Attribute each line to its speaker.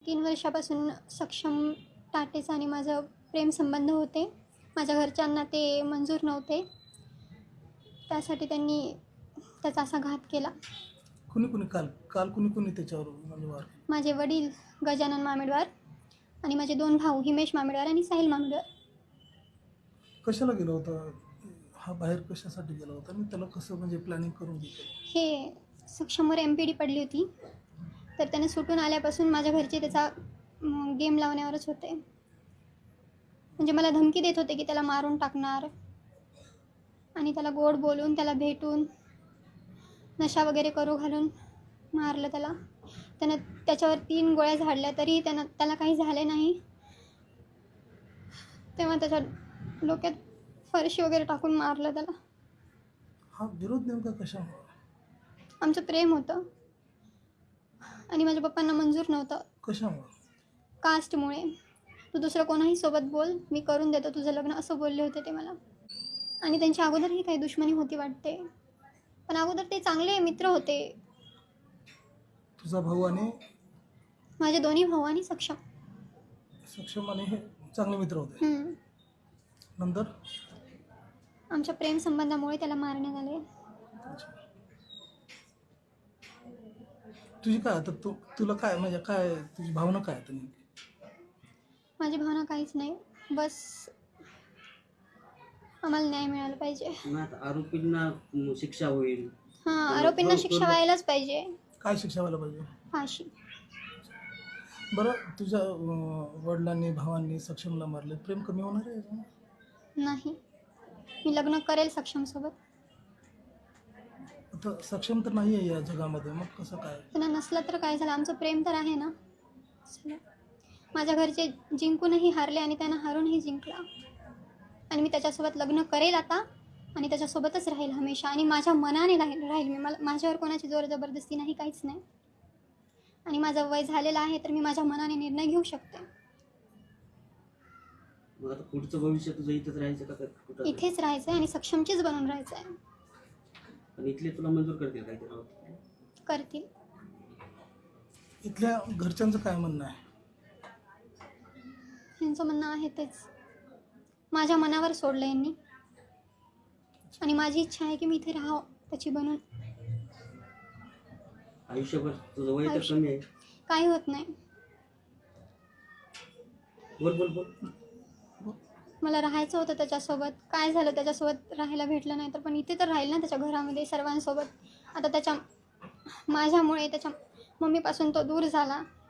Speaker 1: 3 वर्षापासून सक्षम टाटेचा आणि माझं प्रेमसंबंध होते. माझ्या घरच्यांना ते मंजूर नव्हते. त्यासाठी त्यांनी त्याचा असा घात केला.
Speaker 2: कुणी काल काल कुणी त्याच्यावर म्हणजे वार केला?
Speaker 1: माझे वडील गजानन मामेडवार आणि माझे 2 भाऊ हिमेश मामेडवार आणि साहिल मामेडवार.
Speaker 2: कशाला गेला होता हा बाहेर, कशासाठी गेला होता आणि त्याला कसं म्हणजे प्लॅनिंग करून घेतलं?
Speaker 1: हे सक्षमवर MPD पडली होती, तर त्याने सुटून आल्यापासून माझ्या घरचे त्याचा गेम लावण्यावरच होते. म्हणजे मला धमकी देत होते की त्याला मारून टाकणार आणि त्याला गोड बोलून, त्याला भेटून, नशा वगैरे करू घालून मारलं त्याला. त्यानं त्याच्यावर 3 गोळ्या झाडल्या तरी त्याला काही झाले नाही. तेव्हा त्याच्या डोक्यात फरशी वगैरे टाकून मारलं त्याला.
Speaker 2: हा विरोध नेमका कशामुळे?
Speaker 1: आमचं प्रेम होतं आणि माझ्या पप्पांना मंजूर नव्हतं.
Speaker 2: कशामुळे?
Speaker 1: कास्टमुळे. तू दुसरं कोणाही सोबत बोल, मी करून देतो तुझं लग्न, असं बोलले होते ते मला. आणि त्यांच्या अगोदरही काही दुश्मनी होती वाटते, पण अगोदर ते चांगले मित्र होते.
Speaker 2: तुझा भाऊ आणि
Speaker 1: माझे दोन्ही भाऊ आणि सक्षम
Speaker 2: आणि हे चांगले मित्र होते. नंतर
Speaker 1: आमच्या प्रेमसंबंधामुळे त्याला मारण्यात आले.
Speaker 2: तुझी काय आता तुला काय म्हणजे काय तुझी भावना काय आता नेमकी?
Speaker 1: माझी भावना काहीच नाही, बस आम्हाला न्याय मिळाला पाहिजे.
Speaker 3: आरोपींना शिक्षा होईल.
Speaker 1: हां, आरोपींना शिक्षा व्हायलाच पाहिजे.
Speaker 2: काय शिक्षा व्हायला पाहिजे?
Speaker 1: फाशी.
Speaker 2: बरं, तुझ्या वडिलांनी भावांनी सक्षमला मारले, प्रेम कमी होणार आहे याच्यामुळे?
Speaker 1: नाही, मी लग्न करेल सक्षमसोबत.
Speaker 2: आता सक्षम तर नाही आहे या जगामध्ये, मग कसं काय?
Speaker 1: त्यांना नसलं तर काय झालं, आमचं प्रेम तर आहे ना. चला. माझ्या घरचे जिंकूनही हारले आणि त्यांना हारूनही जिंकला. आणि मी त्याच्यासोबत लग्न करेल आता आणि त्याच्यासोबतच राहील हमेशा आणि माझ्या मनाने राहील मी. माझ्यावर कोणाची जोर जबरदस्ती नाही, काहीच नाही. आणि माझं वय झालेलं आहे तर मी माझ्या मनाने निर्णय घेऊ शकते.
Speaker 3: मग आता पुढचं भविष्य तुझं इथेच राहायचं का कुठं?
Speaker 1: इथेच राहायचं आहे आणि सक्षमचीच बनून राहायचं आहे.
Speaker 3: पण इथले तुला मंजूर करतील काय ते?
Speaker 1: करतील.
Speaker 2: इथल्या घरच्यांचं काय म्हणणं आहे?
Speaker 1: यांचं म्हणणं आहे तेच, माझ्या मनावर सोडलं यांनी आणि माझी इच्छा आहे की मी इथे राहावं त्याची बनून.
Speaker 3: आयुष्यभर तुझं वय तर कमी आहे.
Speaker 1: काही होत नाही.
Speaker 3: बोल बोल बोल.
Speaker 1: मला राहायचं होतं त्याच्यासोबत. काय झालं, त्याच्यासोबत राहायला भेटलं नाही तर, पण इथे तर राहील ना त्याच्या घरामध्ये सर्वांसोबत. आता माझ्यामुळे त्याच्या मम्मीपासून तो दूर झाला.